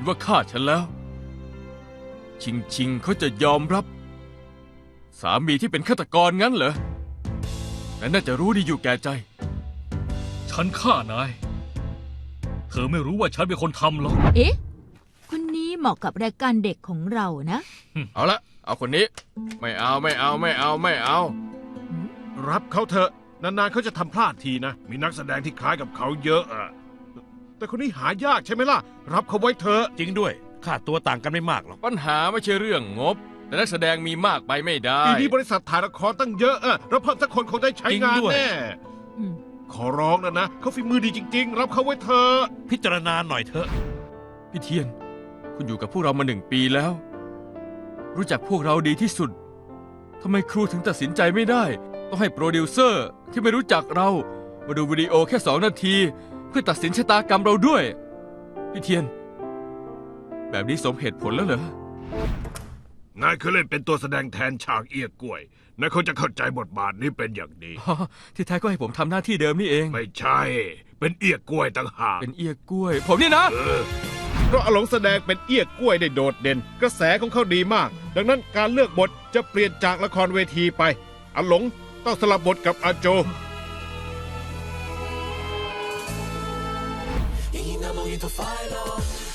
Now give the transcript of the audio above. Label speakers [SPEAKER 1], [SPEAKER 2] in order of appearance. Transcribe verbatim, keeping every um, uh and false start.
[SPEAKER 1] นว่าฆ่าฉันแล้ว ชิงชิงเขาจะยอมรับ สามีที่เป็นฆาตกรงั้นเหรอแต่น่าจะรู้ดีอยู่แก่ใจ
[SPEAKER 2] ฉันฆ่านาย เธอไม่รู้ว่าฉันเป็นคนทำหรอก
[SPEAKER 3] เอ๊ะคนนี้เหมาะกับรายการเด็กของเรานะ
[SPEAKER 1] เอาละเอาคนนี้ ไม่เอาไม่เอาไม่เอาไม่เอา
[SPEAKER 4] รับเขาเถอะนานๆเขาจะทำพลาดทีนะ มีนักแสดงที่คล้ายกับเขาเยอะอะแต่คนนี้หายากใช่ไหมล่ะ รับเขาไว้เถอะ
[SPEAKER 5] จริงด้วยค่าตัวต่างกันไม่มากหรอก
[SPEAKER 1] ปัญหาไม่ใช่เรื่องงบ แต่นักแสดงมีมากไปไม่ได้
[SPEAKER 4] ปีนี้บริษัทถ่ายละครตั้งเยอะอะเราเพิ่มสักคนคงได้ใช้งาน
[SPEAKER 5] จริงด้วย
[SPEAKER 4] แน่
[SPEAKER 3] อืม
[SPEAKER 4] ขอร้องนะนะเขาฝีมือดีจริง ๆ รับเขาไว้เถอะ
[SPEAKER 5] พิจารณาหน่อยเถอะ
[SPEAKER 1] พี่เทียน คุณอยู่กับพวกเรามาหนึ่งปีแล้ว รู้จักพวกเราดีที่สุดทำไมครูถึงตัดสินใจไม่ได้ ต้องให้โปรดิวเซอร์ที่ไม่รู้จักเรา มาดูวิดีโอแค่สองนาที เพื่อตัดสินชะตากรรมเราด้วย พี่เทียน แบบนี้สมเหตุผลแล้วเหรอ
[SPEAKER 4] นายเคยเล่นเป็นตัวแสดงแทนฉากเอียกล้วยนายเขาจะเข้าใจบทบาทนี้เป็นอย่างดี
[SPEAKER 1] อ๋อที่แท้ก็ให้ผมทำหน้าที่เดิมนี่เอง
[SPEAKER 4] ไม่ใช่ เป็นเอียกล้วยต่างหาก
[SPEAKER 1] เป็นเอียกล้วย ผมนี่นะ
[SPEAKER 4] เออเพราะอาหลงแสดงเป็นเอี้ยกล้วยได้โดดเด่น กระแสของเขาดีมาก ดังนั้นการเลือกบทจะเปลี่ยนจากละครเวทีไปอาหลงต้องสลับบทกับอาโจ
[SPEAKER 6] Inamoito filo